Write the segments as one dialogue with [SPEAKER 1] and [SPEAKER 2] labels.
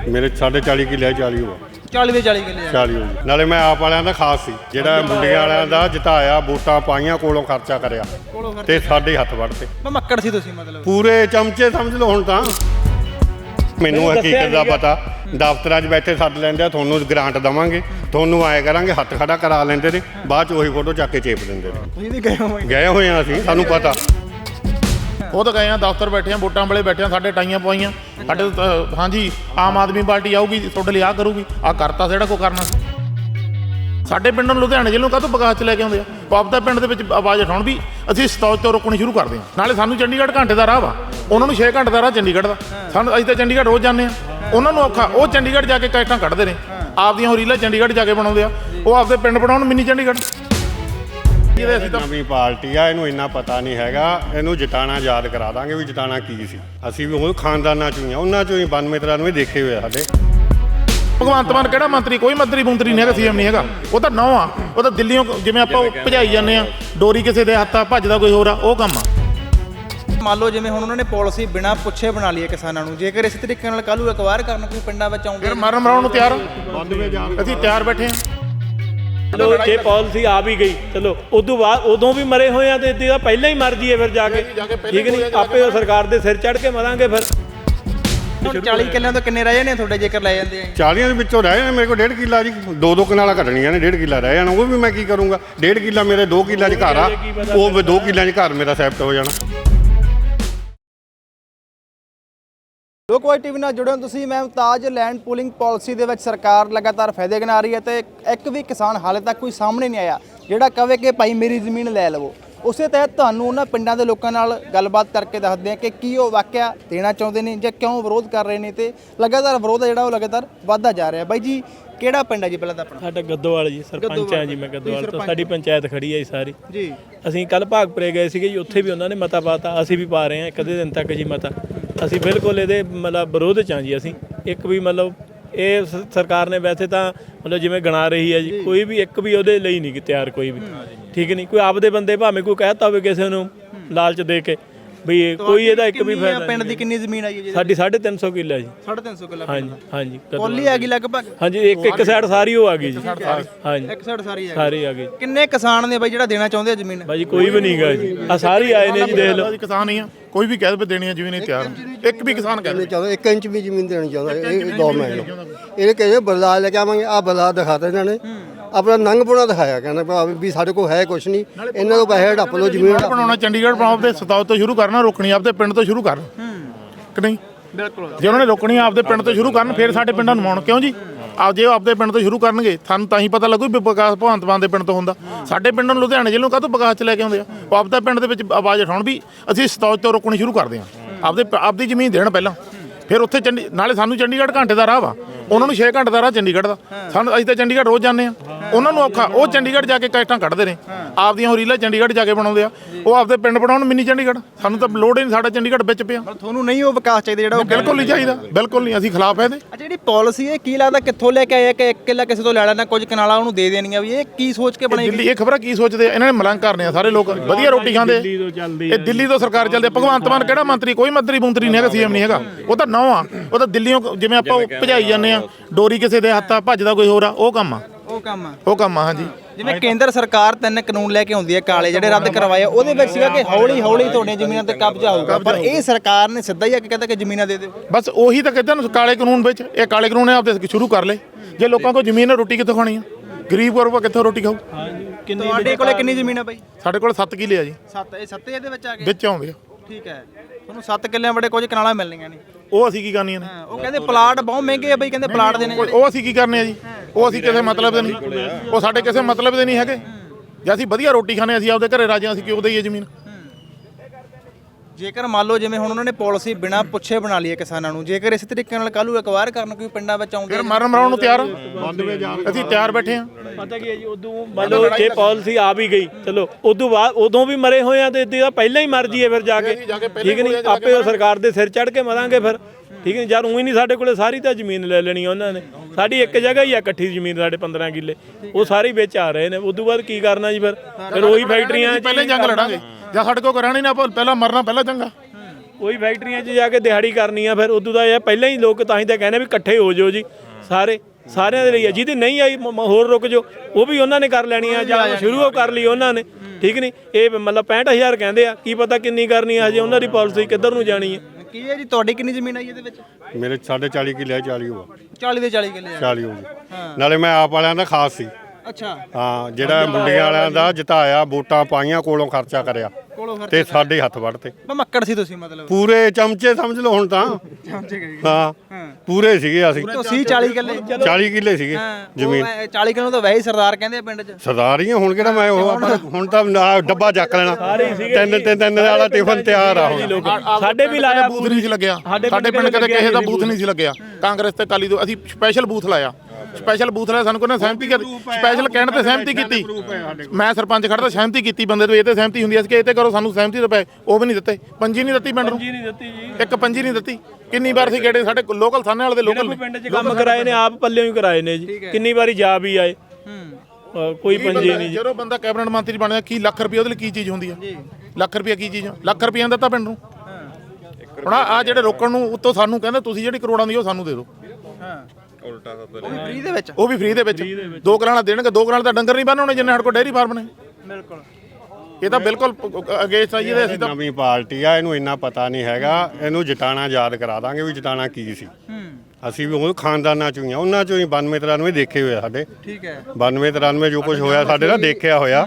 [SPEAKER 1] ਮੇਰੇ 40.5 ਕਿੱਲੇ 40 ਹੋਆ
[SPEAKER 2] 40 ਦੇ 40 ਕਿੱਲੇ
[SPEAKER 1] 40 ਹੋ ਜੀ। ਨਾਲੇ ਮੈਂ ਆਪ ਵਾਲਿਆਂ ਦਾ ਖਾਸ ਸੀ ਜਿਹੜਾ ਮੁੰਡਿਆਂ ਵਾਲਿਆਂ ਦਾ ਜਿਤਾਇਆ, ਵੋਟਾਂ ਪਾਈਆਂ, ਕੋਲੋਂ ਖਰਚਾ ਕਰਿਆ ਤੇ ਸਾਡੇ ਹੱਥ ਵੜਤੇ।
[SPEAKER 2] ਮੱਕੜ ਸੀ ਤੁਸੀਂ ਮਤਲਬ
[SPEAKER 1] ਪੂਰੇ ਚਮਚੇ ਸਮਝ ਲਓ। ਹੁਣ ਤਾਂ ਮੈਨੂੰ ਹਕੀਕਤ ਦਾ ਪਤਾ, ਦਫ਼ਤਰਾਂ 'ਚ ਬੈਠੇ ਸੱਦ ਲੈਂਦੇ ਆ, ਤੁਹਾਨੂੰ ਗ੍ਰਾਂਟ ਦੇਵਾਂਗੇ, ਤੁਹਾਨੂੰ ਆਏ ਕਰਾਂਗੇ, ਹੱਥ ਖੜਾ ਕਰਾ ਲੈਂਦੇ ਨੇ, ਬਾਅਦ 'ਚ ਉਹੀ ਫੋਟੋ ਚੱਕ ਕੇ ਚੇਪ ਦਿੰਦੇ ਨੇ।
[SPEAKER 2] ਤੁਸੀਂ ਵੀ
[SPEAKER 1] ਗਏ ਹੋਏ ਆ ਅਸੀਂ, ਸਾਨੂੰ ਪਤਾ।
[SPEAKER 3] ਉਹ ਤਾਂ ਗਏ ਆ, ਦਫ਼ਤਰ ਬੈਠੇ ਆ, ਵੋਟਾਂ ਵੇਲੇ ਬੈਠੇ ਆ, ਸਾਡੇ ਟਾਈਆਂ ਪਵਾਈਆਂ ਸਾਡੇ। ਹਾਂਜੀ, ਆਮ ਆਦਮੀ ਪਾਰਟੀ ਆਊਗੀ, ਤੁਹਾਡੇ ਲਈ ਆਹ ਕਰੂਗੀ, ਆਹ ਕਰਤਾ ਜਿਹੜਾ ਕੋ ਕਰਨਾ। ਸਾਡੇ ਪਿੰਡ ਨੂੰ ਲੁਧਿਆਣੇ ਜ਼ਿਲ੍ਹੇ ਨੂੰ ਕਾਹਤੋਂ ਬਗਾਚ ਲੈ ਕੇ ਆਉਂਦੇ ਆ? ਉਹ ਆਪਦਾ ਪਿੰਡ ਦੇ ਵਿੱਚ ਆਵਾਜ਼ ਉਠਾਉਣ ਵੀ ਅਸੀਂ ਸਤੌਜ ਤੋਂ ਰੋਕਣੀ ਸ਼ੁਰੂ ਕਰਦੇ ਹਾਂ। ਨਾਲੇ ਸਾਨੂੰ ਚੰਡੀਗੜ੍ਹ ਘੰਟੇ ਦਾ ਰਾਹ ਵਾ, ਉਹਨਾਂ ਨੂੰ 6 ਘੰਟੇ ਦਾ ਰਾਹ ਚੰਡੀਗੜ੍ਹ ਦਾ। ਸਾਨੂੰ ਅਸੀਂ ਤਾਂ ਚੰਡੀਗੜ੍ਹ ਰੋਜ਼ ਜਾਂਦੇ ਹਾਂ, ਉਹਨਾਂ ਨੂੰ ਔਖਾ। ਉਹ ਚੰਡੀਗੜ੍ਹ ਜਾ ਕੇ ਕੈਟਾਂ ਕੱਢਦੇ ਨੇ, ਆਪਦੀਆਂ ਉਹ ਰੀਲਾਂ ਚੰਡੀਗੜ੍ਹ ਜਾ ਕੇ ਬਣਾਉਂਦੇ ਆ। ਉਹ ਆਪਦੇ ਪਿੰਡ ਬਣਾਉਣ ਮਿੰਨੀ ਚੰਡੀਗੜ੍ਹ।
[SPEAKER 1] ਅਸੀਂ ਤਾਂ ਨਵੀਂ ਪਾਰਟੀ ਆ, ਇਹਨੂੰ ਇੰਨਾ ਪਤਾ ਨਹੀਂ ਹੈਗਾ। ਇਹਨੂੰ ਜਿਤਾਣਾ ਯਾਦ ਕਰਾ ਦਾਂਗੇ ਵੀ ਜਿਤਾਣਾ ਕੀ ਸੀ। ਅਸੀਂ ਵੀ ਉਹ ਖਾਨਦਾਨਾਂ 'ਚੋਂ ਹੀ ਆ, ਉਹਨਾਂ 'ਚੋਂ ਹੀ 92-93 ਦੇਖੇ ਹੋਏ ਆ ਸਾਡੇ।
[SPEAKER 3] ਭਗਵੰਤ ਮਾਨ ਕਿਹੜਾ ਮੰਤਰੀ? ਕੋਈ ਮੰਤਰੀ ਨਹੀਂ ਹੈਗਾ, ਸੀਐਮ ਨਹੀਂ ਹੈਗਾ। ਉਹ ਤਾਂ ਨੌ ਆ, ਉਹ ਤਾਂ ਦਿੱਲੀੋਂ ਜਿਵੇਂ ਆਪਾਂ ਭਜਾਈ ਜਾਂਦੇ ਆ ਡੋਰੀ, ਕਿਸੇ ਦੇ ਹੱਥ ਆ, ਭੱਜਦਾ ਕੋਈ ਹੋਰ ਆ, ਉਹ ਕੰਮ ਆ।
[SPEAKER 2] ਮੰਨ ਲਓ ਜਿਵੇਂ ਹੁਣ ਉਹਨਾਂ ਨੇ ਪਾਲਿਸੀ ਬਿਨਾਂ ਪੁੱਛੇ ਬਣਾ ਲਈ ਹੈ ਕਿਸਾਨਾਂ ਨੂੰ, ਜੇਕਰ ਇਸ ਤਰੀਕੇ ਨਾਲ ਕੱਲ੍ਹ ਨੂੰ ਅਕਵਾਇਰ ਕਰਨ ਕੋਈ ਪਿੰਡਾਂ ਵਿੱਚ ਆਉਂਦੇ
[SPEAKER 3] ਫਿਰ ਮਰਨ ਮਰਾਉਣ ਨੂੰ ਤਿਆਰ ਆ, ਅਸੀਂ ਤਿਆਰ ਬੈਠੇ ਹਾਂ।
[SPEAKER 4] ਚਲੋ ਜੇ ਪਾਲਿਸੀ ਆ ਵੀ ਗਈ, ਚਲੋ ਉਦੋਂ ਬਾਅਦ ਉਦੋਂ ਵੀ ਮਰੇ ਹੋਏ ਆ ਤੇ ਇਹਦਾ ਪਹਿਲਾਂ ਹੀ ਮਰ ਜੀਏ ਫਿਰ ਜਾ ਕੇ, ਠੀਕ ਨਹੀਂ? ਆਪੇ ਉਹ ਸਰਕਾਰ ਦੇ ਸਿਰ ਚੜ੍ਹ ਕੇ ਮਰਾਂਗੇ ਫਿਰ।
[SPEAKER 2] 40 ਕਿੱਲਿਆਂ ਤੋਂ ਕਿੰਨੇ ਰਹਿ ਜਾਣੇ ਤੁਹਾਡੇ ਜੇਕਰ ਲੈ ਜਾਂਦੇ ਆ?
[SPEAKER 1] 40 ਦੇ ਵਿੱਚੋਂ ਰਹਿ ਜਾਣੇ ਮੇਰੇ ਕੋਲ 1.5 ਕਿੱਲਾ ਜੀ, 2-2 ਕਨਾਲਾਂ ਘਟਣੀਆਂ ਨੇ, 1.5 ਕਿੱਲਾ ਰਹਿ ਜਾਣਾ। ਉਹ ਵੀ ਮੈਂ ਕੀ ਕਰੂੰਗਾ? 1.5 ਕਿੱਲਾ ਮੇਰੇ 2 ਕਿੱਲਿਆਂ 'ਚ ਘਰ ਆ, ਉਹ 2 ਕਿੱਲਿਆਂ 'ਚ ਘਰ ਮੇਰਾ ਸੈਪਟ ਹੋ ਜਾਣਾ।
[SPEAKER 2] ਲੋਕਵਾਈ ਟੀਵੀ ਨਾਲ ਜੁੜੇ ਹੋ ਤੁਸੀਂ। ਮੈਂ ਮੁਮਤਾਜ। ਲੈਂਡ ਪੂਲਿੰਗ ਪਾਲਿਸੀ ਦੇ ਵਿੱਚ ਸਰਕਾਰ ਲਗਾਤਾਰ ਫਾਇਦੇ ਗਿਣਾ ਰਹੀ ਹੈ ਤੇ ਇੱਕ ਵੀ ਕਿਸਾਨ ਹਾਲੇ ਤੱਕ ਕੋਈ ਸਾਹਮਣੇ ਨਹੀਂ ਆਇਆ ਜਿਹੜਾ ਕਹੇ ਕਿ ਭਾਈ ਮੇਰੀ ਜ਼ਮੀਨ ਲੈ ਲਵੋ। ਉਸੇ ਤਹਿਤ ਤੁਹਾਨੂੰ ਉਹਨਾਂ ਪਿੰਡਾਂ ਦੇ ਲੋਕਾਂ ਨਾਲ ਗੱਲਬਾਤ ਕਰਕੇ ਦੱਸਦੇ ਹਾਂ ਕਿ ਕੀ ਉਹ ਵਾਕਿਆ ਦੇਣਾ ਚਾਹੁੰਦੇ ਨੇ ਜਾਂ ਕਿਉਂ ਵਿਰੋਧ ਕਰ ਰਹੇ ਨੇ ਤੇ ਲਗਾਤਾਰ ਵਿਰੋਧ ਹੈ ਜਿਹੜਾ ਉਹ ਲਗਾਤਾਰ ਵੱਧਦਾ ਜਾ ਰਿਹਾ। ਬਾਈ ਜੀ ਕਿਹੜਾ ਪਿੰਡ ਹੈ ਜੀ ਪਹਿਲਾਂ ਤਾਂ ਆਪਣਾ?
[SPEAKER 4] ਸਾਡਾ ਗੱਦੋਵਾਲ ਜੀ, ਸਰਪੰਚ ਆ ਜੀ ਮੈਂ ਗੱਦੋਵਾਲ ਤੋਂ। ਸਾਡੀ ਪੰਚਾਇਤ ਖੜੀ ਹੈ ਜੀ ਸਾਰੀ
[SPEAKER 2] ਜੀ।
[SPEAKER 4] ਅਸੀਂ ਕੱਲ ਭਾਗਪੁਰੇ ਗਏ ਸੀਗੇ ਜੀ, ਉੱਥੇ ਵੀ ਉਹਨਾਂ ਨੇ ਮਤਾ ਪਾਤਾ, ਅਸੀਂ ਵੀ ਪਾ ਰਹੇ ਹਾਂ ਇੱਕ ਅੱਧੇ ਦਿਨ ਤੱਕ ਜੀ ਮਤਾ। ਅਸੀਂ ਬਿਲਕੁਲ ਇਹਦੇ ਮਤਲਬ ਵਿਰੋਧ 'ਚ ਹਾਂ ਜੀ। ਅਸੀਂ ਇੱਕ ਵੀ ਮਤਲਬ ਇਹ ਸਰਕਾਰ ਨੇ ਵੈਸੇ ਤਾਂ ਮਤਲਬ ਜਿਵੇਂ ਗਣਾ ਰਹੀ ਹੈ ਜੀ, ਕੋਈ ਵੀ ਇੱਕ ਵੀ ਉਹਦੇ ਲਈ ਨਹੀਂ ਤਿਆਰ, ਕੋਈ ਵੀ, ਠੀਕ ਨਹੀਂ? ਕੋਈ ਆਪਦੇ ਬੰਦੇ ਭਾਵੇਂ ਕੋਈ ਕਹਿਤਾ ਹੋਵੇ ਕਿਸੇ ਨੂੰ ਲਾਲਚ ਦੇ ਕੇ ਵੀ ਕੋਈ ਇਹਦਾ ਇੱਕ ਵੀ ਫਾਇਦਾ।
[SPEAKER 2] ਪਿੰਡ ਦੀ ਕਿੰਨੀ ਜ਼ਮੀਨ ਆਈ ਹੈ ਜੀ?
[SPEAKER 4] ਸਾਡੀ 350 ਕਿੱਲਾ ਜੀ।
[SPEAKER 2] 350 ਕਿੱਲਾ?
[SPEAKER 4] ਹਾਂਜੀ ਹਾਂਜੀ।
[SPEAKER 2] ਕੋਲੀ ਆ ਗਈ ਲਗਭਗ?
[SPEAKER 4] ਹਾਂਜੀ, ਇੱਕ ਸਾਈਡ ਸਾਰੀ ਉਹ ਆ ਗਈ ਜੀ। ਹਾਂਜੀ,
[SPEAKER 2] ਇੱਕ ਸਾਈਡ ਸਾਰੀ ਆ
[SPEAKER 4] ਸਾਰੀ ਆ ਗਈ।
[SPEAKER 2] ਕਿੰਨੇ ਕਿਸਾਨ ਨੇ ਬਾਈ ਜਿਹੜਾ ਦੇਣਾ ਚਾਹੁੰਦੇ ਆ ਜ਼ਮੀਨ?
[SPEAKER 4] ਬਾਜੀ ਕੋਈ ਵੀ ਨਹੀਂ ਗਾ ਜੀ, ਆ ਸਾਰੇ ਆਏ ਨੇ ਜੀ, ਦੇਖ ਲਓ।
[SPEAKER 3] ਕਿਸਾਨ ਹੀ ਆ, ਕੋਈ ਵੀ ਕਹਿ ਦੇ ਦੇਣੀ ਆ ਜ਼ਮੀਨ ਨਹੀਂ ਤਿਆਰ। ਇੱਕ ਵੀ ਕਿਸਾਨ ਕਹਿ
[SPEAKER 5] ਚਾਹੁੰਦਾ 1 ਇੰਚ ਵੀ ਜ਼ਮੀਨ ਦੇਣੀ ਚਾਹੁੰਦਾ ਇਹ ਗਵਰਨਮੈਂਟ ਨੂੰ। ਇਹ ਕਹਿੰਦੇ ਬਦਲਾਅ ਲੈ ਕੇ ਆਵਾਂਗੇ, ਆਹ ਬਦਲਾਅ ਦਿਖਾਤਾ ਇਹਨਾਂ ਨੇ, ਆਪਣਾ ਨੰਗਪੁਣਾ ਦਿਖਾਇਆ। ਕਹਿੰਦਾ ਵੀ ਸਾਡੇ ਕੋਲ ਹੈ ਕੁਛ ਨਹੀਂ, ਇਹਨਾਂ ਤੋਂ ਪੈਸੇ ਹੜੱਪ ਲਓ, ਜ਼ਮੀਨ
[SPEAKER 3] ਬਣਾਉਣਾ ਚੰਡੀਗੜ੍ਹ ਬਣਾਓ, ਆਪਦੇ ਸਤੌਜ ਤੋਂ ਸ਼ੁਰੂ ਕਰਨਾ, ਰੋਕਣੀ ਆਪਦੇ ਪਿੰਡ ਤੋਂ ਸ਼ੁਰੂ ਕਰਨ ਕਿ ਨਹੀਂ?
[SPEAKER 2] ਬਿਲਕੁਲ।
[SPEAKER 3] ਜੇ ਉਹਨਾਂ ਨੇ ਰੋਕਣੀ ਆਪਦੇ ਪਿੰਡ ਤੋਂ ਸ਼ੁਰੂ ਕਰਨ, ਫਿਰ ਸਾਡੇ ਪਿੰਡਾਂ ਨੂੰ ਆਉਣ। ਕਿਉਂ ਜੀ? ਜੇ ਉਹ ਆਪਦੇ ਪਿੰਡ ਤੋਂ ਸ਼ੁਰੂ ਕਰਨਗੇ, ਸਾਨੂੰ ਤਾਂ ਹੀ ਪਤਾ ਲੱਗੂ ਵੀ ਵਿਕਾਸ ਭਗਵੰਤ ਮਾਨ ਦੇ ਪਿੰਡ ਤੋਂ ਹੁੰਦਾ। ਸਾਡੇ ਪਿੰਡ ਨੂੰ ਲੁਧਿਆਣੇ ਜ਼ਿਲ੍ਹੇ ਨੂੰ ਕਾਹਤੋਂ ਬਗਾਚ ਲੈ ਕੇ ਆਉਂਦੇ ਆ? ਉਹ ਆਪਦਾ ਪਿੰਡ ਦੇ ਵਿੱਚ ਆਵਾਜ਼ ਉਠਾਉਣ ਵੀ ਅਸੀਂ ਸਤੌਜ ਤੋਂ ਰੋਕਣੀ ਸ਼ੁਰੂ ਕਰਦੇ ਹਾਂ। ਆਪਦੀ ਜ਼ਮੀਨ ਦੇਣ ਪਹਿਲਾਂ, ਫਿਰ ਉੱਥੇ ਨਾਲੇ ਸਾਨੂੰ ਚੰਡੀਗੜ੍ਹ ਘੰਟੇ ਦਾ ਰਾਹ ਵਾ, ਉਹਨਾਂ ਨੂੰ 6 ਘੰਟੇ ਦਾ ਰਾਹ ਚੰਡੀਗੜ੍ਹ ਦਾ। ਸਾਨੂੰ ਅਸੀਂ ਤਾਂ ਚੰਡੀਗੜ੍ਹ ਰੋਜ਼ ਜਾਂਦੇ ਹਾਂ, ਉਹਨਾਂ ਨੂੰ ਔਖਾ। ਉਹ ਚੰਡੀਗੜ੍ਹ ਜਾ ਕੇ ਕੈਟਾਂ ਕੱਢਦੇ ਨੇ, ਆਪਦੀਆਂ ਉਹ ਰੀਲਾਂ ਚੰਡੀਗੜ੍ਹ ਜਾ ਕੇ ਬਣਾਉਂਦੇ ਆ। ਉਹ ਆਪਦੇ ਪਿੰਡ ਬਣਾਉਣ ਮਿੰਨੀ ਚੰਡੀਗੜ੍ਹ। ਸਾਨੂੰ ਤਾਂ ਲੋੜ ਹੀ ਨਹੀਂ, ਸਾਡਾ ਚੰਡੀਗੜ੍ਹ ਵਿੱਚ ਪਿਆ।
[SPEAKER 2] ਤੁਹਾਨੂੰ ਨਹੀਂ ਉਹ ਵਿਕਾਸ ਚਾਹੀਦਾ ਜਿਹੜਾ ਉਹ?
[SPEAKER 3] ਬਿਲਕੁਲ ਨਹੀਂ ਚਾਹੀਦਾ, ਬਿਲਕੁਲ ਨਹੀਂ, ਅਸੀਂ ਖਿਲਾਫ ਹੈ ਇਹਦੇ।
[SPEAKER 2] ਅੱਛਾ, ਜਿਹੜੀ ਪਾਲਿਸੀ ਹੈ ਕੀ ਲੱਗਦਾ ਕਿੱਥੋਂ ਲੈ ਕੇ ਆਇਆ ਕਿ 1 ਕਿੱਲਾ ਕਿਸੇ ਤੋਂ ਲੈ ਲੈਣਾ, ਕੁਝ ਕਨਾਲਾਂ ਉਹਨੂੰ ਦੇ ਦੇਣੀਆਂ, ਵੀ ਇਹ ਕੀ ਸੋਚ ਕੇ ਬਣਾਈ?
[SPEAKER 3] ਦਿੱਲੀ ਇਹ ਖਬਰਾਂ ਕੀ ਸੋਚਦੇ ਆ? ਇਹਨਾਂ ਨੇ ਮਲੰਗ ਕਰਨੇ ਆ ਸਾਰੇ ਲੋਕ, ਵਧੀਆ ਰੋਟੀ ਖਾਂਦੇ। ਇਹ ਦਿੱਲੀ ਤੋਂ ਸਰਕਾਰ ਚੱਲਦੀ। ਭਗਵੰਤ ਮਾਨ ਕਿਹੜਾ ਮੰਤਰੀ? ਕੋਈ ਮੰਤਰੀ ਨਹੀਂ ਹੈਗਾ, ਸੀਐਮ ਨਹੀਂ ਹੈਗਾ। ਉਹ ਤਾਂ ਨੌ ਆ, ਉਹ ਤਾਂ ਦਿੱਲੀੋਂ ਜਿਵੇਂ ਆਪਾਂ ਭਜਾਈ ਜਾਂਦੇ ਆ ਡੋਰੀ, ਕਿਸੇ ਦੇ ਹੱਥ ਆ, ਭੱਜਦਾ ਕੋਈ ਹੋਰ ਆ, ਉਹ ਕੰਮ ਆ। ਉਹ ਕੰਮ ਆ। ਹਾਂਜੀ,
[SPEAKER 2] ਜਿਵੇਂ ਕੇਂਦਰ ਸਰਕਾਰ 3 ਕਾਨੂੰਨ ਲੈ ਕੇ ਆਉਂਦੀ ਹੈ ਕਾਲੇ, ਜਿਹੜੇ ਰੱਦ ਕਰਵਾਏ, ਉਹਦੇ ਵਿੱਚ ਸੀਗਾ ਕਿ ਹੌਲੀ ਹੌਲੀ ਤੁਹਾਡੀਆਂ ਜ਼ਮੀਨਾਂ ਤੇ ਕਬਜ਼ਾ ਹੋਊਗਾ, ਪਰ ਇਹ ਸਰਕਾਰ ਨੇ ਸਿੱਧਾ ਹੀ ਆ ਕੇ ਕਹਿੰਦਾ ਕਿ ਜ਼ਮੀਨਾਂ ਦੇ ਦਿਓ।
[SPEAKER 3] ਬਸ ਉਹੀ ਤਾਂ ਕਹਿੰਦਾ ਨੂੰ ਕਾਲੇ ਕਾਨੂੰਨ ਵਿੱਚ। ਇਹ ਕਾਲੇ ਕਾਨੂੰਨ ਨੇ ਆਪਦੇ ਸ਼ੁਰੂ ਕਰ ਲਏ। ਜੇ ਲੋਕਾਂ ਕੋਲ ਜ਼ਮੀਨ ਹੈ, ਰੋਟੀ ਕਿੱਥੋਂ ਖਾਣੀ ਆ? ਗਰੀਬ ਗਰੂਬਾ ਕਿੱਥੋਂ ਰੋਟੀ ਖਾਊ?
[SPEAKER 2] ਤੁਹਾਡੇ ਕੋਲੇ ਕਿੰਨੀ ਜ਼ਮੀਨ ਹੈ ਬਾਈ?
[SPEAKER 3] ਸਾਡੇ ਕੋਲ 7 ਕਿੱਲੇ ਆ ਜੀ।
[SPEAKER 2] 7? ਇਹ 7 ਇਹਦੇ ਵਿੱਚ ਆ ਗਏ?
[SPEAKER 3] ਵਿੱਚ ਆਉਂਦੇ ਆ।
[SPEAKER 2] ਠੀਕ ਹੈ, ਤੁਹਾਨੂੰ 7 ਕਿੱਲਿਆਂ ਬੜੇ ਕੁਝ ਕਨਾਲਾਂ ਮਿਲਣੀਆਂ ਨੇ।
[SPEAKER 3] ਉਹ ਅਸੀਂ ਕੀ ਕਰਨੀਆਂ ਨੇ?
[SPEAKER 2] ਉਹ ਕਹਿੰਦੇ ਪਲਾਟ ਬਹੁਤ ਮਹਿੰਗੇ ਆ ਬਈ, ਕਹਿੰਦੇ ਪਲਾਟ ਦੇਣੇ।
[SPEAKER 3] ਉਹ ਅਸੀਂ ਕੀ ਕਰਨੇ ਆ ਜੀ? ਉਹ ਅਸੀਂ ਕਿਸੇ ਮਤਲਬ ਦੇ ਨਹੀਂ, ਉਹ ਸਾਡੇ ਕਿਸੇ ਮਤਲਬ ਦੇ ਨਹੀਂ ਹੈਗੇ। ਜੇ ਅਸੀਂ ਵਧੀਆ ਰੋਟੀ ਖਾਣੇ, ਅਸੀਂ ਆਪਦੇ ਘਰੇ ਰਾਜੇ, ਅਸੀਂ ਕਿਉਂ ਦਈਏ ਜ਼ਮੀਨ?
[SPEAKER 2] ਜੇਕਰ ਮੰਨ ਲਓ ਜਿਵੇਂ ਹੁਣ ਉਹਨਾਂ ਨੇ ਪਾਲਿਸੀ ਬਿਨਾਂ ਪੁੱਛੇ ਬਣਾ ਲਈ ਹੈ ਕਿਸਾਨਾਂ ਨੂੰ, ਜੇਕਰ ਇਸ ਤਰੀਕੇ ਨਾਲ ਕੱਲ੍ਹ ਨੂੰ ਅਕਵਾਇਰ ਕਰਨ ਕੋਈ ਪਿੰਡਾਂ ਵਿੱਚ ਆਉਂਦੇ,
[SPEAKER 3] ਫਿਰ ਮਰਨ ਮਰਾਉਣ ਨੂੰ ਤਿਆਰ ਆ, ਅਸੀਂ ਤਿਆਰ ਬੈਠੇ ਆ।
[SPEAKER 4] ਪਤਾ ਕੀ ਹੈ ਜੀ, ਉਦੋਂ ਮੰਨ ਲਓ ਜੇ ਪਾਲਿਸੀ ਆ ਵੀ ਗਈ, ਚਲੋ ਉਦੋਂ ਬਾਅਦ ਉਦੋਂ ਵੀ ਮਰੇ ਹੋਏ ਆ ਤੇ ਇਹਦਾ ਪਹਿਲਾਂ ਹੀ ਮਰ ਜੀਏ ਫਿਰ ਜਾ ਕੇ, ਠੀਕ ਨਹੀਂ? ਆਪੇ ਉਹ ਸਰਕਾਰ ਦੇ ਸਿਰ ਚੜ੍ਹ ਕੇ ਮਰਾਂਗੇ ਫਿਰ, ਠੀਕ ਨਹੀਂ? ਯਾਰ ਉਹੀ ਨਹੀਂ, ਸਾਡੇ ਕੋਲੇ ਸਾਰੀ ਤਾਂ ਜ਼ਮੀਨ ਲੈ ਲੈਣੀ ਉਹਨਾਂ ਨੇ। ਸਾਡੀ ਇੱਕ ਜਗ੍ਹਾ ਹੀ ਆ ਇਕੱਠੀ ਜ਼ਮੀਨ, ਸਾਡੇ 15 ਕਿੱਲੇ, ਉਹ ਸਾਰੇ ਵਿੱਚ ਆ ਰਹੇ ਨੇ। ਉਦੋਂ ਬਾਅਦ ਕੀ ਕਰਨਾ ਜੀ? ਫਿਰ ਉਹੀ ਫੈਕਟਰੀਆਂ
[SPEAKER 3] ਪਹਿਲਾਂ ਜੰਗ ਲੜਾਂਗੇ, ਜਾਂ ਸਾਡੇ ਕੋਲ ਕਰਾਣੀ ਨਾ, ਪਹਿਲਾਂ ਮਰਨਾ, ਪਹਿਲਾਂ ਚੰਗਾ।
[SPEAKER 4] ਉਹੀ ਫੈਕਟਰੀਆਂ 'ਚ ਜਾ ਕੇ ਦਿਹਾੜੀ ਕਰਨੀ ਆ ਫਿਰ ਉਦੋਂ ਦਾ ਇਹ ਪਹਿਲਾਂ ਹੀ ਲੋਕ ਤਾਂ ਹੀ ਤਾਂ ਕਹਿੰਦੇ ਵੀ ਇਕੱਠੇ ਹੋ ਜਾਓ ਜੀ ਸਾਰਿਆਂ ਦੇ ਲਈ ਆ। ਜਿਹਦੀ ਨਹੀਂ ਆਈ ਹੋਰ ਰੁਕ ਜਾਓ, ਉਹ ਵੀ ਉਹਨਾਂ ਨੇ ਕਰ ਲੈਣੀ ਆ ਜਾਂ ਸ਼ੁਰੂ ਉਹ ਕਰ ਲਈ ਉਹਨਾਂ ਨੇ, ਠੀਕ ਨਹੀਂ। ਇਹ ਮਤਲਬ 65,000 ਕਹਿੰਦੇ ਆ, ਕੀ ਪਤਾ ਕਿੰਨੀ ਕਰਨੀ ਆ, ਹਜੇ ਉਹਨਾਂ ਦੀ ਪਾਲਿਸੀ ਕਿੱਧਰ ਨੂੰ ਜਾਣੀ ਹੈ।
[SPEAKER 2] ਕੀ ਹੈ ਜੀ ਤੁਹਾਡੀ ਕਿੰਨੀ ਜ਼ਮੀਨ ਆਈ ਇਹਦੇ ਵਿੱਚ?
[SPEAKER 1] ਮੇਰੇ 40.5 ਕਿੱਲੇ 40 ਹੋਆ
[SPEAKER 2] 40 ਦੇ 40 ਕਿੱਲੇ
[SPEAKER 1] 40 ਹੋ ਗਏ। ਨਾਲੇ ਮੈਂ ਆਪ ਵਾਲਿਆਂ ਦਾ ਖਾਸ ਸੀ।
[SPEAKER 2] ਅੱਛਾ,
[SPEAKER 1] ਹਾਂ, ਜਿਹੜਾ ਮੁੰਡਿਆਂ ਵਾਲਿਆਂ ਦਾ ਜਿਤਾਇਆ, ਵੋਟਾਂ ਪਾਈਆਂ, ਕੋਲੋਂ ਖਰਚਾ ਕਰਿਆ
[SPEAKER 2] ਕੋਲੋਂ
[SPEAKER 1] ਤੇ ਸਾਡੇ ਹੱਥ ਵੜਤੇ।
[SPEAKER 2] ਮੱਕੜ ਸੀ ਤੁਸੀਂ ਮਤਲਬ?
[SPEAKER 1] ਪੂਰੇ ਚਮਚੇ ਸਮਝ ਲਓ ਹੁਣ ਤਾਂ। ਹਾਂ, ਪੂਰੇ ਸੀਗੇ ਅਸੀਂ।
[SPEAKER 2] ਤੁਸੀਂ 40 ਕਿੱਲੇ
[SPEAKER 1] 40 ਕਿੱਲੇ ਸੀਗੇ ਜ਼ਮੀਨ।
[SPEAKER 2] 40 ਕਿੱਲੇ ਤਾਂ ਵੈਸੇ ਹੀ ਸਰਦਾਰ ਕਹਿੰਦੇ ਆ ਪਿੰਡ 'ਚ।
[SPEAKER 1] ਸਰਦਾਰੀਆਂ ਹੁਣ ਕਿਹੜਾ ਮੈਂ ਉਹ ਹੁਣ ਤਾਂ ਡੱਬਾ ਚੱਕ ਲੈਣਾ, ਤਿੰਨ ਵਾਲਾ ਟਿਫਨ ਤਿਆਰ ਆ ਹੁਣ।
[SPEAKER 4] ਸਾਡੇ ਵੀ ਲਾਇਆ
[SPEAKER 3] ਬੂਥ ਨਹੀਂ ਸੀ ਲੱਗਿਆ, ਸਾਡੇ ਪਿੰਡ ਕਦੇ ਕਿਸੇ ਦਾ ਬੂਥ ਨਹੀਂ ਸੀ ਲੱਗਿਆ। ਕਾਂਗਰਸ ਤੇ ਅਕਾਲੀ ਤੋਂ ਅਸੀਂ ਸਪੈਸ਼ਲ ਬੂਥ ਲਾਇਆ, ਸਾਨੂੰ ਕੋਈ ਸਹਿਮਤੀ ਕਰ ਸਪੈਸ਼ਲ ਕਹਿਣ ਤੇ ਸਹਿਮਤੀ ਕੀਤੀ। ਮੈਂ ਸਰਪੰਚ ਖੜਦਾ ਸਹਿਮਤੀ ਕੀਤੀ, ਬੰਦੇ ਤੋਂ ਇਹ ਤੇ ਸਹਿਮਤੀ ਹੁੰਦੀ ਸੀ ਕਿ ਇਹ ਤੇ ਕਰੋ, ਸਾਨੂੰ ਸਹਿਮਤੀ ਦੇ ਪਏ, ਉਹ ਵੀ ਨਹੀਂ ਦਿੱਤੇ। ਪੰਜੀ ਨਹੀਂ ਦਿੱਤੀ ਪਿੰਡ ਨੂੰ, ਇੱਕ ਪੰਜੀ ਨਹੀਂ ਦਿੱਤੀ। ਕਿੰਨੀ ਵਾਰ ਸੀ ਗੇੜੇ ਸਾਡੇ ਲੋਕਲ ਸਾਹਨੇ ਵਾਲੇ ਦੇ ਲੋਕਲ
[SPEAKER 4] ਪਿੰਡ 'ਚ ਕੰਮ ਕਰਾਏ ਨੇ, ਆਪ ਪੱਲਿਓਂ ਹੀ ਕਰਾਏ ਨੇ ਜੀ। ਕਿੰਨੀ ਵਾਰੀ ਜਾ ਵੀ ਆਏ, ਕੋਈ ਪੰਜੀ ਨਹੀਂ ਜੀ।
[SPEAKER 3] ਜਦੋਂ ਬੰਦਾ ਕੈਬਨਿਟ ਮੰਤਰੀ ਬਣਦਾ ਕੀ ਲੱਖ ਰੁਪਏ ਉਹਦੇ ਲਈ ਕੀ ਚੀਜ਼ ਹੁੰਦੀ ਆ? ਲੱਖ ਰੁਪਏ ਕੀ ਚੀਜ਼ ਆ? ਲੱਖ ਰੁਪਏ ਦਿੱਤਾ ਪਿੰਡ ਨੂੰ। ਹੁਣ ਆ ਜਿਹੜੇ ਰੋਕਣ ਨੂੰ ਉੱਤੋਂ ਸਾਨੂੰ ਕਹਿੰਦੇ ਤੁਸੀਂ ਜਿਹੜੀ ਕਰੋੜਾਂ ਦੀ ਉਹ ਸਾਨੂੰ ਦੇ ਦਿਓ।
[SPEAKER 2] ਫ੍ਰੀ ਦੇ ਵਿੱਚ?
[SPEAKER 3] ਉਹ ਵੀ ਫ੍ਰੀ ਦੇ ਵਿੱਚ 2 ਕਰਾਣਾ ਦੇਣਗੇ। 2 ਕਰਾਣਾ ਤਾਂ ਡੰਗਰ ਨਹੀਂ ਬੰਨ ਹੋਣੇ ਜਿੰਨੇ ਸਾਡੇ ਕੋਲ ਡੇਅਰੀ ਫਾਰਮ ਨੇ।
[SPEAKER 2] ਬਿਲਕੁਲ,
[SPEAKER 3] ਇਹ ਤਾਂ ਬਿਲਕੁਲ ਅਗੇਂਸਟ ਆਈ ਇਹਦੇ। ਅਸੀਂ ਤਾਂ
[SPEAKER 1] ਨਵੀਂ ਪਾਰਟੀ ਆ, ਇਹਨੂੰ ਇੰਨਾ ਪਤਾ ਨਹੀਂ ਹੈਗਾ। ਇਹਨੂੰ ਜਿਤਾਣਾ ਯਾਦ ਕਰਾ ਦਾਂਗੇ ਵੀ ਜਿਤਾਣਾ ਕੀ ਸੀ। ਅਸੀਂ ਵੀ ਉਹ ਖਾਨਦਾਨਾਂ ਚੋਂ ਹੀ ਆ, ਉਹਨਾਂ ਚੋਂ ਹੀ 92 93 ਦੇਖੇ ਹੋਏ ਆ ਸਾਡੇ।
[SPEAKER 2] ਠੀਕ ਹੈ,
[SPEAKER 1] 92 93 ਜੋ ਕੁਝ ਹੋਇਆ ਸਾਡੇ ਨਾਲ ਦੇਖਿਆ ਹੋਇਆ।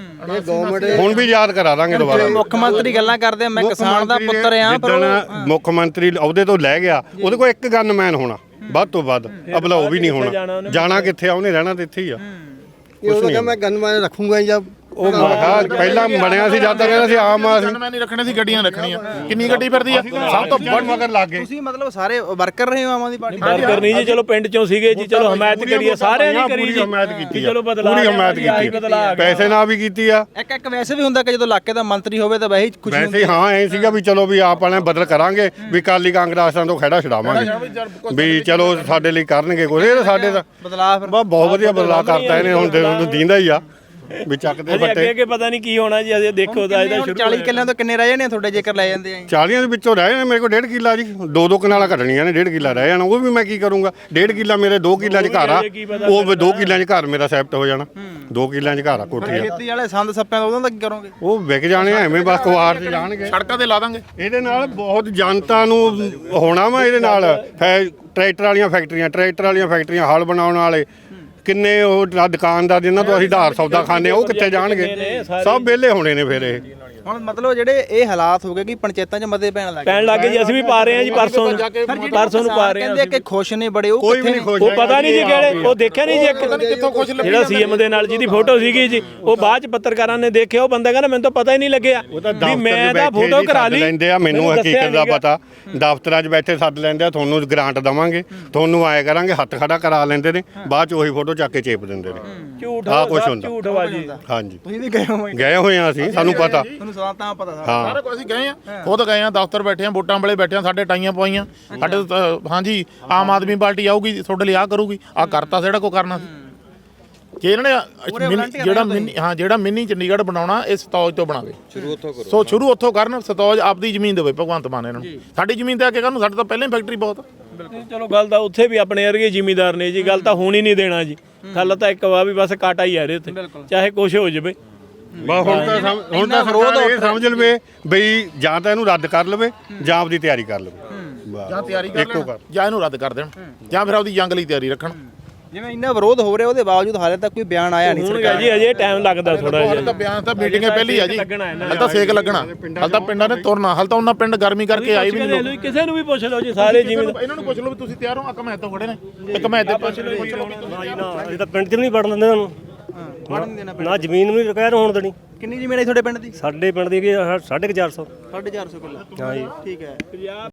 [SPEAKER 1] ਹੁਣ ਵੀ ਯਾਦ ਕਰਾ ਦਾਂਗੇ ਦੁਬਾਰਾ।
[SPEAKER 2] ਮੁੱਖ ਮੰਤਰੀ ਗੱਲਾਂ ਕਰਦੇ ਆ, ਮੈਂ ਕਿਸਾਨ ਦਾ ਪੁੱਤਰ ਆ, ਪਰ
[SPEAKER 1] ਜਿੱਦਣ ਮੁੱਖ ਮੰਤਰੀ ਅਹੁਦੇ ਤੋਂ ਲੈ ਗਿਆ, ਉਹਦੇ ਕੋਲ ਇੱਕ ਗਨਮੈਨ ਹੋਣਾ ਵੱਧ ਤੋਂ ਵੱਧ, ਅਬਲਾ ਉਹ ਵੀ ਨਹੀਂ ਹੋਣਾ। ਜਾਣਾ ਕਿੱਥੇ ਆ, ਉਹਨੇ ਰਹਿਣਾ ਤੇ ਇੱਥੇ ਹੀ ਆ।
[SPEAKER 5] ਇਹ ਉਹ ਕਹਿੰਦਾ ਮੈਂ ਗਨਮੈਨ ਰੱਖੂੰਗਾ ਜਾਂ
[SPEAKER 1] ਉਹ ਪਹਿਲਾਂ ਬਣਿਆ ਸੀ ਜਦ ਤੱਕ ਕਹਿੰਦਾ ਸੀ ਆਮ ਆ ਸੀ।
[SPEAKER 3] ਮੈਂ ਨਹੀਂ ਰੱਖਣੇ ਸੀ, ਗੱਡੀਆਂ ਰੱਖਣੀਆਂ। ਕਿੰਨੀ ਗੱਡੀ ਫਿਰਦੀ ਆ? ਸਭ ਤੋਂ ਵੱਧ
[SPEAKER 1] ਮਗਰ ਲੱਗ ਗਏ।
[SPEAKER 2] ਤੁਸੀਂ ਮਤਲਬ ਸਾਰੇ ਵਰਕਰ ਰਹੇ ਹੋ ਆਮ ਆਦਮੀ ਪਾਰਟੀ?
[SPEAKER 4] ਵਰਕਰ ਨਹੀਂ ਜੀ, ਚਲੋ ਪਿੰਡ 'ਚੋਂ ਸੀਗੇ ਜੀ, ਚਲੋ ਹਮਾਇਤ ਕਰੀਏ, ਸਾਰਿਆਂ ਨੇ ਕਰੀ ਜੀ,
[SPEAKER 1] ਹਮਾਇਤ ਕੀਤੀ,
[SPEAKER 4] ਚਲੋ ਬਦਲਾ
[SPEAKER 1] ਪੂਰੀ ਹਮਾਇਤ ਕੀਤੀ, ਪੈਸੇ ਨਾਲ ਵੀ ਕੀਤੀ ਆ।
[SPEAKER 2] ਇੱਕ ਵੈਸੇ ਵੀ ਹੁੰਦਾ ਕਿ ਜਦੋਂ ਇਲਾਕੇ ਦਾ ਮੰਤਰੀ ਹੋਵੇ ਤਾਂ ਵੈਸੇ ਖੁਸ਼ੀ
[SPEAKER 1] ਵੈਸੇ ਹਾਂ ਐ ਸੀਗਾ ਵੀ ਚਲੋ ਵੀ ਆਪ ਵਾਲਿਆਂ ਬਦਲ ਕਰਾਂਗੇ, ਵੀ ਕਾਲੀ ਕਾਂਗਰਸਾਂ ਤੋਂ ਖਹਿੜਾ ਛਡਾਵਾਂਗੇ, ਵੀ ਚਲੋ ਸਾਡੇ ਲਈ ਕਰਨਗੇ ਕੁਝ। ਇਹ ਸਾਡੇ ਦਾ
[SPEAKER 2] ਬਦਲਾਅ ਫਿਰ
[SPEAKER 1] ਬਹੁਤ ਵਧੀਆ ਬਦਲਾਅ ਕਰਤਾ ਇਹਨੇ। ਹੁਣ ਦੀਂਦਾ ਹੀ ਆ ਵੀ ਚੱਕਦੇ
[SPEAKER 4] ਅੱਗੇ ਅੱਗੇ ਪਤਾ ਨਹੀਂ ਕੀ ਹੋਣਾ ਜੀ, ਅਜੇ ਦੇਖੋ ਤਾਂ ਇਹਦਾ ਸ਼ੁਰੂ
[SPEAKER 2] 40 ਕਿੱਲਿਆਂ ਤੋਂ ਕਿੰਨੇ ਰਹਿ ਜਾਣੇ ਤੁਹਾਡੇ ਜੇਕਰ ਲੈ ਜਾਂਦੇ ਆ?
[SPEAKER 1] 40 ਦੇ ਵਿੱਚੋਂ ਰਹਿ ਜਾਣੇ ਮੇਰੇ ਕੋਲ 1.5 ਕਿੱਲਾ ਜੀ। 2 ਕਨਾਲਾਂ ਘਟਣੀਆਂ ਨੇ, 1.5 ਕਿੱਲਾ ਰਹਿ ਜਾਣਾ। ਉਹ ਵੀ ਮੈਂ ਕੀ ਕਰੂੰਗਾ? 1.5 ਕਿੱਲਾ ਮੇਰੇ 2 ਕਿੱਲਿਆਂ 'ਚ ਘਰ ਆ, ਉਹ 2 ਕਿੱਲਿਆਂ 'ਚ ਘਰ ਮੇਰਾ ਸੈਪਟ ਹੋ ਜਾਣਾ। 2 ਕਿੱਲਿਆਂ 'ਚ ਘਰ ਆ, ਕੋਠੀ ਆ।
[SPEAKER 2] ਖੇਤੀ ਵਾਲੇ ਸੰਦ ਸੱਪਿਆਂ ਦਾ ਉਹਨਾਂ ਦਾ ਕੀ ਕਰੋਗੇ?
[SPEAKER 1] ਉਹ ਵਿਕ ਜਾਣੇ ਐਵੇਂ ਬਸ ਕੁਆਰ 'ਚ ਜਾਣਗੇ।
[SPEAKER 3] ਸੜਕਾਂ ਤੇ ਲਾ ਦਾਂਗੇ।
[SPEAKER 1] ਇਹਦੇ ਨਾਲ ਬਹੁਤ ਜਨਤਾ ਨੂੰ ਹੋਣਾ ਵਾ। ਇਹਦੇ ਨਾਲ ਟਰੈਕਟਰ ਵਾਲੀਆਂ ਫੈਕਟਰੀਆਂ, ਹਲ ਬਣਾਉਣ ਵਾਲੇ ਕਿੰਨੇ, ਉਹ ਦੁਕਾਨਦਾਰ ਜਿਨ੍ਹਾਂ ਤੋਂ ਅਸੀਂ ਉਧਾਰ ਸੌਦਾ ਖਾਂਦੇ ਆ, ਉਹ ਕਿੱਥੇ ਜਾਣਗੇ? ਸਭ ਵਿਹਲੇ ਹੋਣੇ ਨੇ ਫਿਰ। ਇਹ
[SPEAKER 2] ਹੁਣ ਮਤਲਬ ਜਿਹੜੇ ਇਹ ਹਾਲਾਤ ਹੋ ਗਏ ਕਿ ਪੰਚਾਇਤਾਂ 'ਚ ਮਤੇ ਪੈਣ ਲੱਗੇ
[SPEAKER 4] ਜੀ। ਅਸੀਂ ਵੀ ਪਾ ਰਹੇ ਹਾਂ ਜੀ, ਪਰਸੋਂ ਨੂੰ ਪਾ ਰਹੇ ਹਾਂ।
[SPEAKER 2] ਕਹਿੰਦੇ ਕਿ ਖੁਸ਼ ਨੇ ਬੜੇ, ਉਹ
[SPEAKER 1] ਕੋਈ ਵੀ ਨਹੀਂ ਖੁਸ਼।
[SPEAKER 4] ਉਹ ਪਤਾ ਨਹੀਂ ਜੀ ਕਿਹੜੇ, ਉਹ ਦੇਖਿਆ ਨਹੀਂ ਜੀ ਜਿਹੜਾ ਸੀਐਮ ਦੇ ਨਾਲ ਜਿਹਦੀ ਫੋਟੋ ਸੀਗੀ ਜੀ, ਉਹ ਬਾਅਦ 'ਚ ਪੱਤਰਕਾਰਾਂ ਨੇ ਦੇਖਿਆ, ਉਹ ਬੰਦਾ ਕਹਿੰਦਾ ਮੈਨੂੰ ਤਾਂ ਪਤਾ ਹੀ ਨਹੀਂ ਲੱਗਿਆ ਵੀ ਮੈਂ ਤਾਂ ਫੋਟੋ ਕਰਾ ਲਈ
[SPEAKER 1] ਲੈਂਦੇ ਆ। ਮੈਨੂੰ ਹਕੀਕਤ ਦਾ ਪਤਾ, ਦਫ਼ਤਰਾਂ 'ਚ ਬੈਠੇ ਸੱਦ ਲੈਂਦੇ ਆ, ਤੁਹਾਨੂੰ ਗ੍ਰਾਂਟ ਦਵਾਂਗੇ, ਤੁਹਾਨੂੰ ਆਏ ਕਰਾਂਗੇ, ਹੱਥ ਖੜਾ ਕਰਾ ਲੈਂਦੇ ਨੇ, ਬਾਅਦ 'ਚ ਉਹੀ ਫੋਟੋ ਚੱਕ ਕੇ ਚੇਪ ਦਿੰਦੇ ਨੇ।
[SPEAKER 4] ਝੂਠ
[SPEAKER 1] ਆਹ ਕੁਛ ਹੁੰਦਾ।
[SPEAKER 4] ਝੂਠ ਬਾਜੀ।
[SPEAKER 1] ਹਾਂਜੀ,
[SPEAKER 2] ਤੁਸੀਂ ਵੀ ਗਏ
[SPEAKER 1] ਹੋਏ ਆ ਅਸੀਂ, ਸਾਨੂੰ ਪਤਾ।
[SPEAKER 2] ਤੁਹਾਨੂੰ ਸਵਾਲ ਤਾਂ ਪਤਾ
[SPEAKER 3] ਸਾਰਾ ਕੁਝ ਅਸੀਂ ਗਏ ਆ, ਖੁਦ ਗਏ ਆ, ਦਫ਼ਤਰ ਬੈਠੇ ਆ, ਵੋਟਾਂ ਵੇਲੇ ਬੈਠੇ ਆ, ਸਾਡੇ ਟਾਈਆਂ ਪਵਾਈਆਂ। ਸਾਡੇ ਹਾਂਜੀ ਆਮ ਆਦਮੀ ਪਾਰਟੀ ਆਊਗੀ, ਤੁਹਾਡੇ ਲਈ ਆ ਕਰੂਗੀ, ਆ ਕਰਤਾ ਜਿਹੜਾ ਕੋ ਕਰਨਾ ਸੀ। ਕਿ ਇਹਨਾਂ ਨੇ ਜਿਹੜਾ ਮਿੰਨੀ ਚੰਡੀਗੜ੍ਹ ਬਣਾਉਣਾ, ਇਹ ਸਤੌਜ ਤੋਂ ਬਣਾਵੇ। ਸ਼ੁਰੂ ਉੱਥੋਂ ਕਰਨ। ਸਤੌਜ ਆਪਦੀ ਜ਼ਮੀਨ ਦੇਵੇ ਭਗਵੰਤ ਮਾਨ ਇਹਨਾਂ ਨੂੰ। ਸਾਡੀ ਜ਼ਮੀਨ ਤੇ ਆ ਕੇ ਕਰਨ, ਸਾਡੇ ਤਾਂ ਪਹਿਲਾਂ ਹੀ ਫੈਕਟਰੀ ਬਹੁਤ।
[SPEAKER 4] ਚਲੋ ਗੱਲ ਤਾਂ ਉੱਥੇ ਵੀ ਆਪਣੇ ਵਰਗੇ ਜ਼ਿਮੀਦਾਰ ਨੇ ਜੀ, ਗੱਲ ਤਾਂ ਹੁਣ ਹੀ ਨਹੀਂ ਦੇਣਾ ਜੀ। ਗੱਲ ਤਾਂ ਇੱਕ ਵਾ ਵੀ ਬਸ ਕਾਟਾ ਹੀ ਆ ਰਿਹਾ ਉੱਥੇ, ਚਾਹੇ ਕੁਛ ਹੋ ਜਾਵੇ।
[SPEAKER 1] ਹੁਣ ਤਾਂ ਸਰਕਾਰ ਇਹ ਸਮਝ ਲਵੇ ਬਈ ਜਾਂ ਤਾਂ ਇਹਨੂੰ ਰੱਦ ਕਰ ਲਵੇ ਜਾਂ ਆਪਦੀ ਤਿਆਰੀ ਕਰ ਲਵੇ।
[SPEAKER 3] ਜਾਂ ਤਿਆਰੀ ਕਰ ਲੈਣ, ਜਾਂ ਇਹਨੂੰ ਰੱਦ ਕਰ ਦੇਣ, ਜਾਂ ਫਿਰ ਆਪਦੀ ਜੰਗ ਲਈ ਤਿਆਰੀ ਰੱਖਣ।
[SPEAKER 2] ਜਿਵੇਂ ਇੰਨਾ ਵਿਰੋਧ ਹੋ ਰਿਹਾ, ਉਹਦੇ ਬਾਵਜੂਦ ਹਾਲੇ ਤੱਕ ਕੋਈ ਬਿਆਨ ਆਇਆ ਨਹੀਂ ਸਰਕਾਰ
[SPEAKER 4] ਜੀ। ਅਜੇ ਟਾਈਮ ਲੱਗਦਾ ਥੋੜਾ ਜਿਹਾ।
[SPEAKER 3] ਤਾਂ ਬਿਆਨ ਤਾਂ ਮੀਟਿੰਗ ਪਹਿਲੀ ਆ ਜੀ, ਹਲ ਤਾਂ ਸੇਕ ਲੱਗਣਾ, ਹਲ ਤਾਂ ਪਿੰਡਾਂ ਨੇ ਤੁਰਨਾ, ਹਲ ਤਾਂ ਉਹਨਾਂ ਪਿੰਡ ਗਰਮੀ ਕਰਕੇ ਆਏ ਵੀ ਨਹੀਂ ਲੋਕ।
[SPEAKER 4] ਕਿਸੇ ਨੂੰ ਵੀ ਪੁੱਛ ਲਓ ਜੀ, ਸਾਰੇ ਜਿਵੇਂ
[SPEAKER 3] ਇਹਨਾਂ ਨੂੰ ਪੁੱਛ ਲਓ ਵੀ ਤੁਸੀਂ ਤਿਆਰ ਹੋ? ਇੱਕ ਮੈਂ ਤੋਂ ਖੜੇ ਨੇ, ਇੱਕ ਮੈਂ ਇੱਥੇ ਪੁੱਛ ਲਓ।
[SPEAKER 6] ਇਹ ਤਾਂ ਪਿੰਡ 'ਚ ਵੀ ਨਹੀਂ ਵੜਨ ਦਿੰਦੇ ਤੁਹਾਨੂੰ, ਨਾ ਜ਼ਮੀਨ ਵੀ ਰਿਕਵਾਇਰ ਹੋਣ ਦੇਣੀ।
[SPEAKER 2] ਕਿੰਨੀ ਜ਼ਮੀਨ ਹੈ ਤੁਹਾਡੇ ਪਿੰਡ ਦੀ?
[SPEAKER 6] ਸਾਡੇ ਪਿੰਡ ਦੀ 450
[SPEAKER 2] 450 ਕਿੱਲਾ।
[SPEAKER 6] ਹਾਂ ਜੀ।
[SPEAKER 2] ਠੀਕ ਹੈ।